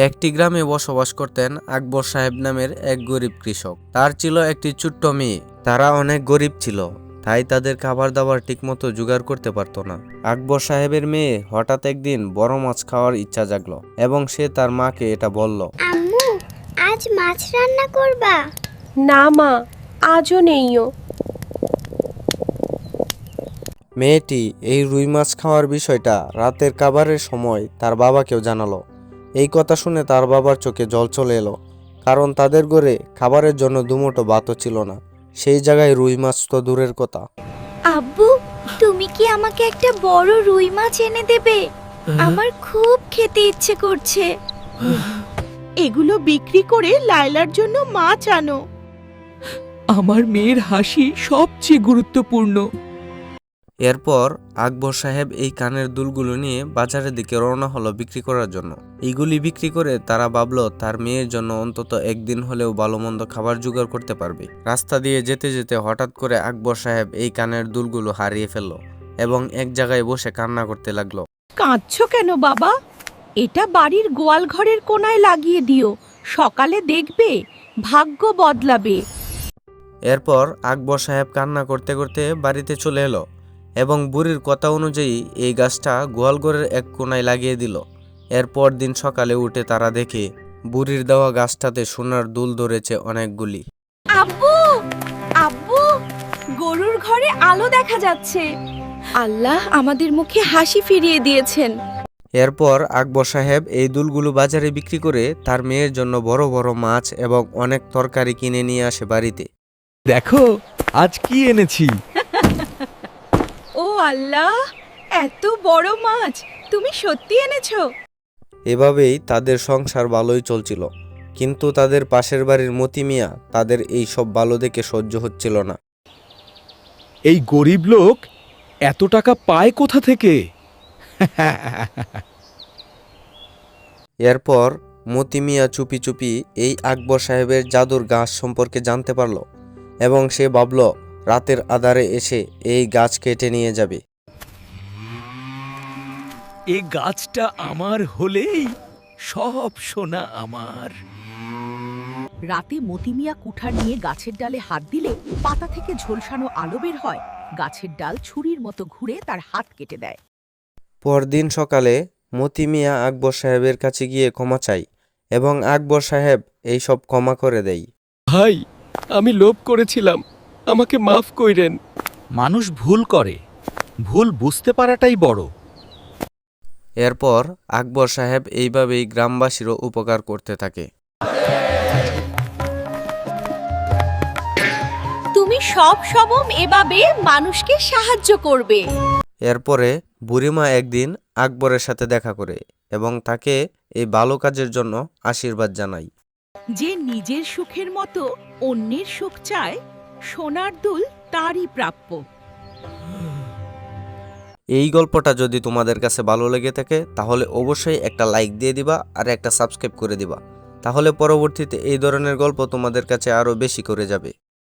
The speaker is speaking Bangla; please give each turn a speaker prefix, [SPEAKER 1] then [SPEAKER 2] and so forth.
[SPEAKER 1] একটি গ্রামে বসবাস করতেন আকবর সাহেব নামের এক গরিব কৃষক। তার ছিল একটি ছোট্ট মেয়ে। তারা অনেক গরিব ছিল, তাই তাদের খাবার দাবার ঠিকমতো জোগাড় করতে পারত না। আকবর সাহেবের মেয়ে হঠাৎ একদিন বড় মাছ খাওয়ার ইচ্ছা জাগলো এবং সে তার মাকে এটা বলল,
[SPEAKER 2] আম্মু, আজ মাছ রান্না করবা?
[SPEAKER 3] না মা, আজও নেইও।
[SPEAKER 1] মেয়েটি এই রুই মাছ খাওয়ার বিষয়টা রাতের খাবারের সময় তার বাবাকেও জানালো। এই কথা শুনে তার বাবার চোখে জল চলে এলো, কারণ তাদের ঘরে খাবারের জন্য দুমুঠো ভাতও ছিল না, সেই জায়গায় রুই মাছ তো দূরের কথা।
[SPEAKER 2] আব্বু, তুমি কি আমাকে একটা বড় রুই মাছ এনে দেবে? আমার খুব খেতে ইচ্ছে করছে।
[SPEAKER 4] এগুলো বিক্রি করে লায়লার জন্য মাছ আনো। আমার মেয়ের হাসি সবচেয়ে গুরুত্বপূর্ণ।
[SPEAKER 1] এরপর আকবর সাহেব এই কানের দুলগুলো নিয়ে বাজারের দিকে রওনা হলো বিক্রি করার জন্য। এইগুলি বিক্রি করে তারা ভাবলো তার মেয়ের জন্য অন্তত একদিন হলেও ভালো মন্দ খাবার জোগাড় করতে পারবে। রাস্তা দিয়ে যেতে যেতে হঠাৎ করে আকবর সাহেব এই কানের দুলগুলো হারিয়ে ফেললো এবং এক জায়গায় বসে কান্না করতে লাগলো।
[SPEAKER 4] কাঁদছো কেন বাবা? এটা বাড়ির গোয়াল ঘরের কোনায় লাগিয়ে দিও, সকালে দেখবে ভাগ্য বদলাবে।
[SPEAKER 1] এরপর আকবর সাহেব কান্না করতে করতে বাড়িতে চলে এলো এবং বুড়ির কথা অনুযায়ী এই গাছটা গোয়ালঘরের এক কোনায় লাগিয়ে দিল। এরপর দিন সকালে উঠে তারা দেখে বুড়ির দেওয়া গাছটাতে সোনার দুল ধরেছে অনেকগুলি।
[SPEAKER 3] আব্বু, আব্বু, গরুর ঘরে আলো দেখা যাচ্ছে। আল্লাহ আমাদের মুখে হাসি ফিরিয়ে দিয়েছেন।
[SPEAKER 1] এরপর আকবর সাহেব এই দুলগুলো বাজারে বিক্রি করে তার মেয়ের জন্য বড় বড় মাছ এবং অনেক তরকারি কিনে নিয়ে আসে বাড়িতে।
[SPEAKER 5] দেখো আজ কি এনেছি।
[SPEAKER 3] ও আল্লাহ, এত বড় মাছ তুমি সত্যি এনেছো?
[SPEAKER 1] এভাবেই তাদের সংসার ভালোই চলছিল, কিন্তু তাদের পাশের বাড়ির মতি মিয়া তাদের এই সব ভালো দেখে সহ্য হচ্ছিল না।
[SPEAKER 5] এই গরিব লোক এত টাকা পায় কোথা থেকে?
[SPEAKER 1] এরপর মতি মিয়া চুপি চুপি এই আকবর সাহেবের জাদুর গাছ সম্পর্কে জানতে পারল এবং সে ভাবল রাতের আধারে এসে এই গাছ কেটে নিয়ে যাবে।
[SPEAKER 5] এই গাছটা আমার হলেই সব সোনা আমার।
[SPEAKER 4] রাতে মতিমিয়া কুঠার নিয়ে গাছের ডালে হাত দিলে পাতা থেকে ঝলসানো আলো বের হয়। গাছের ডাল ছুরির মতো ঘুরে তার হাত কেটে দেয়।
[SPEAKER 1] পরদিন সকালে মতি মিয়া আকবর সাহেবের কাছে গিয়ে ক্ষমা চাই এবং আকবর সাহেব এই সব ক্ষমা করে দেয়।
[SPEAKER 5] ভাই, আমি লোভ করেছিলাম, আমাকে মাফ কইরেন। মানুষ ভুল করে, ভুল বুঝতে পারাটাই বড়।
[SPEAKER 1] এরপর আকবর সাহেব এইভাবেই গ্রামবাসীরও উপকার করতে থাকে।
[SPEAKER 3] তুমি সব সময় এভাবে মানুষকে সাহায্য করবে।
[SPEAKER 1] এরপরে বুড়িমা একদিন আকবরের সাথে দেখা করে এবং তাকে এই ভালো কাজের জন্য আশীর্বাদ জানায়।
[SPEAKER 4] যে নিজের সুখের মতো অন্যের সুখ চায়, সোনার দুল তারই প্রাপ্য।
[SPEAKER 1] এই গল্পটা যদি তোমাদের কাছে ভালো লেগে থাকে তাহলে অবশ্যই একটা লাইক দিয়ে দিবা আর একটা সাবস্ক্রাইব করে দিবা, তাহলে পরবর্তীতে এই ধরনের গল্প তোমাদের কাছে আরো বেশি করে যাবে।